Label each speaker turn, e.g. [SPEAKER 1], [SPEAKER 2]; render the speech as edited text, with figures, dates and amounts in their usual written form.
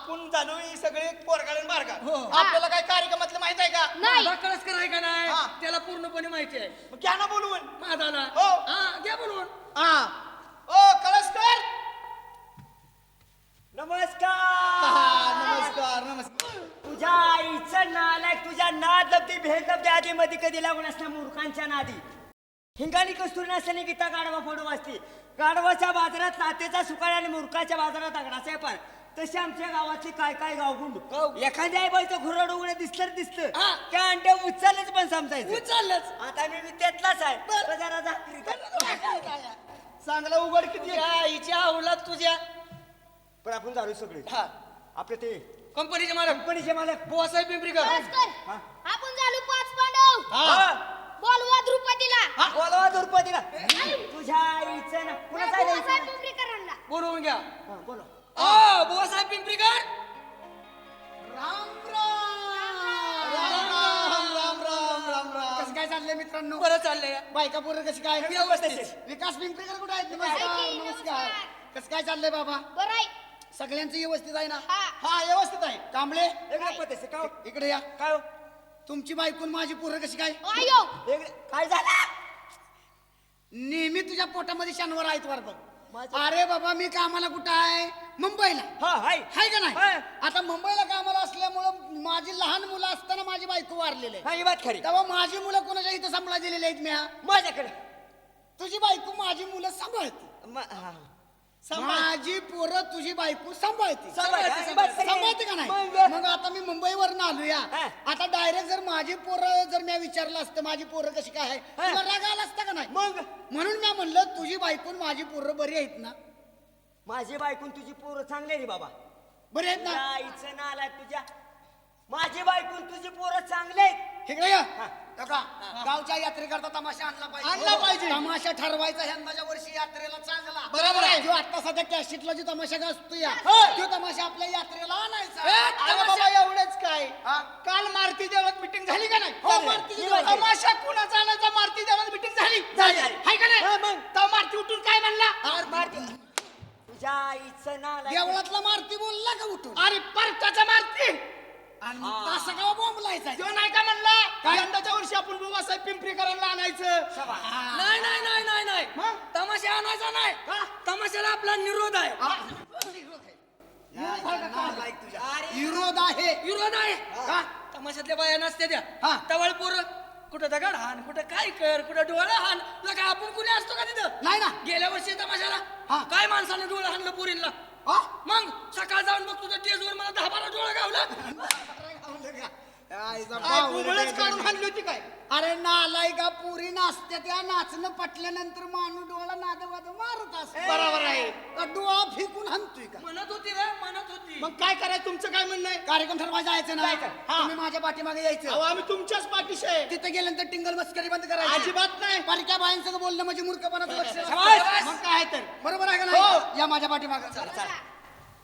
[SPEAKER 1] आपण झालो ही सगळे पोरगाळ मार्गा
[SPEAKER 2] हो.
[SPEAKER 1] आपल्याला काय कार्यक्रमातलं माहित आहे का
[SPEAKER 3] नाही.
[SPEAKER 2] कळसकर आहे का नाही
[SPEAKER 1] हा.
[SPEAKER 2] त्याला पूर्णपणे माहिती आहे
[SPEAKER 1] मग घ्या ना बोलवून
[SPEAKER 2] माझाला
[SPEAKER 1] हो.
[SPEAKER 2] हा घ्या बोलवून
[SPEAKER 1] हा ओ कळसकर
[SPEAKER 4] नमस्कार नमस्कार तुझ्या आईचं नालायक तुझ्या नाद लब्धी भेद लब्धी आधी मध्ये कधी लागून असल्या मूर्खांच्या नादी हिंगाणी कस्तुरी नसल्याने गीता गाढवा फोडू वाचते गाढवाच्या बाजारात नातेचा सुकाळ आणि मूर्खाच्या बाजारात आगडाचा पण तसे आमच्या गावातली काय काय गावगुंड एखाद्या आई बाईचं घुरड उघडे दिसलं
[SPEAKER 2] हा.
[SPEAKER 4] त्या अंड्या उचलच पण समजायचं
[SPEAKER 2] उचललंच
[SPEAKER 4] आता मी त्यातलाच आहे तर जरा झाकरी कर.
[SPEAKER 1] चांगला उघड किती आहे?
[SPEAKER 2] आईच्या अवलाद तुझ्या
[SPEAKER 4] पण आपण झालो सगळे
[SPEAKER 2] हा
[SPEAKER 4] आपले ते
[SPEAKER 2] कंपनीचे मालक
[SPEAKER 4] कंपनीचे मालक
[SPEAKER 2] बुवासाहेब पिंपरीकर
[SPEAKER 3] कळसकर,
[SPEAKER 4] हा.
[SPEAKER 3] आपण झालो 5 पांडव.
[SPEAKER 4] हा.
[SPEAKER 3] बोलवा द्रुपदीला.
[SPEAKER 4] बोलवा द्रौपदीला तुझ्या आईचं ना कुणाचं आहे
[SPEAKER 3] बुवासाहेब
[SPEAKER 4] द्यायचं?
[SPEAKER 3] पिंपरीकरांना.
[SPEAKER 2] बोलवून घ्या
[SPEAKER 4] हा, बोला
[SPEAKER 2] बुवासाहेब पिंपरीकर
[SPEAKER 5] कसं काय चाललंय मित्रांनो
[SPEAKER 2] बरं चाललंय
[SPEAKER 5] बायका पोरं कशी काय
[SPEAKER 2] व्यवस्थित.
[SPEAKER 5] विकास पिंपरीकर कुठे आहेत
[SPEAKER 3] नमस्कार.
[SPEAKER 5] नमस्कार नमस्कार कसं काय चाललंय बाबा
[SPEAKER 3] बरं आहे.
[SPEAKER 5] सगळ्यांचं व्यवस्थित आहे ना
[SPEAKER 3] हा.
[SPEAKER 5] हा व्यवस्थित आहे कांबळे
[SPEAKER 4] वेगळं पद्धत का हो?
[SPEAKER 5] इकडे या
[SPEAKER 4] काय हो?
[SPEAKER 5] तुमची बायकून माझी पोरं कशी काय
[SPEAKER 3] आयो.
[SPEAKER 4] वेगळं काय झालं
[SPEAKER 5] नेहमी तुझ्या पोटामध्ये शनिवार आहेत वर बघ
[SPEAKER 4] माझं-
[SPEAKER 5] अरे बाबा मी कामाला कुठं आहे मुंबईला
[SPEAKER 4] हा हाय
[SPEAKER 5] हाय का नाही
[SPEAKER 4] हाय.
[SPEAKER 5] आता मुंबईला कामाला असल्यामुळं माझी लहान मुलं असताना माझी बायको वारलेली आहे
[SPEAKER 4] हा ही बात खरी
[SPEAKER 5] तेव्हा माझी मुलं कोणाच्या इथं सांभाळा दिलेली आहेत मी
[SPEAKER 4] माझ्याकडे
[SPEAKER 5] तुझी बायको माझी मुलं सांभाळते
[SPEAKER 4] हा.
[SPEAKER 5] माझी पोरं तुझी बायको सांभाळते
[SPEAKER 4] सांभाळते.
[SPEAKER 5] सांभाळते का नाही
[SPEAKER 4] मग?
[SPEAKER 5] मग आता मी मुंबईवरून आलोया
[SPEAKER 4] हा.
[SPEAKER 5] आता डायरेक्ट जर माझी पोरं जर मी विचारलं असतं माझी पोरं कशी काय आहे
[SPEAKER 4] हा.
[SPEAKER 5] तुला राग आला असता का नाही
[SPEAKER 4] मग
[SPEAKER 5] म्हणून मी म्हणलं तुझी बायको आणि माझी पोरं बरी आहेत ना
[SPEAKER 4] माझी बायकून तुझी पोरं चांगले रे बाबा
[SPEAKER 5] बरी आहेत
[SPEAKER 4] तुझ्या
[SPEAKER 5] ना
[SPEAKER 4] आईचं नाला तुझ्या माझी बायकून तुझी पोरं चांगले आहेत.
[SPEAKER 5] इकडे या काका, गावच्या यात्रेकरता तमाशा आणला
[SPEAKER 1] आणला पाहिजे.
[SPEAKER 5] तमाशा ठरवायचा यंदाच्या वर्षी यात्रेला चांगला
[SPEAKER 1] बरोबर आहे.
[SPEAKER 5] जो आता सध्या कॅशिटला जो तमाशा गाजतो या
[SPEAKER 1] होय.
[SPEAKER 5] तो तमाशा आपल्या यात्रेला आणायचा
[SPEAKER 1] अरे बाबा एवढंच काय
[SPEAKER 5] हा.
[SPEAKER 1] काल मारुती देवळात मिटिंग झाली का नाही
[SPEAKER 5] हो, मारुती देवळात.
[SPEAKER 1] तमाशा कुणाचा आणायचा मारुती देवळात मिटिंग झाली
[SPEAKER 4] झाली.
[SPEAKER 1] हाय का
[SPEAKER 4] हा,
[SPEAKER 1] नाही
[SPEAKER 4] मग.
[SPEAKER 1] तर मारुती उठून काय म्हणला
[SPEAKER 4] मारती. तुझ्या आईचं नाला
[SPEAKER 5] देवळातला मारुती बोलला का उठून
[SPEAKER 1] अरे परताचा मारुती
[SPEAKER 5] आणि तसं का बोंबलायचा
[SPEAKER 1] तो नाही का म्हणला यंदाच्या वर्षी आपण बुवासाहेब पिंपरीकरांना आणायचं
[SPEAKER 2] नाही नाही नाही नाही नाही
[SPEAKER 1] मग?
[SPEAKER 2] तमाशा आणायचा नाही तमाशाला आपला निरोध आहे
[SPEAKER 5] विरोध आहे
[SPEAKER 2] विरोध आहे का तमाशातल्या बाया नसते त्या
[SPEAKER 5] हा.
[SPEAKER 2] तवळ पोरं कुठं दगड हान कुठं काय कर कुठं डोळं हान तुला काय आपण कुणी असतो का तिथं
[SPEAKER 5] नाही ना
[SPEAKER 2] गेल्या वर्षी तमाशाला
[SPEAKER 5] हा.
[SPEAKER 2] काय माणसाने डोळं हाणलं पोरींना
[SPEAKER 5] हा?
[SPEAKER 2] मग सकाळ जाऊन बघ तुझ्या टेजवर मला 10-12 डोळं गावलं
[SPEAKER 1] उघडच काढून आणली होती काय
[SPEAKER 5] अरे नालाय का पुरी नाचते त्या नाचणं पटल्यानंतर माणूस डोळा नादवाद मारत असतो
[SPEAKER 1] बरोबर आहे
[SPEAKER 5] का डोळा फेकून हाणतोय का
[SPEAKER 2] म्हणत होती रे म्हणत होती
[SPEAKER 1] मग काय करायचं तुमचं काय म्हणणं आहे
[SPEAKER 5] कार्यक्रम ठरवायचा जायचं ना
[SPEAKER 1] हा.
[SPEAKER 5] तुम्ही माझ्या पाठीमागे
[SPEAKER 1] अहो
[SPEAKER 5] यायचं
[SPEAKER 1] आम्ही तुमच्याच पाठीशी आहे
[SPEAKER 5] तिथे गेल्यानंतर टिंगल मस्करी बंद करायची
[SPEAKER 1] अजिबात नाही
[SPEAKER 5] परक्या बायांसंग बोलणं म्हणजे मूर्खपणाचं लक्षण
[SPEAKER 1] शाबास.
[SPEAKER 5] असतं.
[SPEAKER 1] मग काय तर
[SPEAKER 5] बरोबर आहे का
[SPEAKER 1] हो.
[SPEAKER 5] नाही या माझ्या पाठीमागे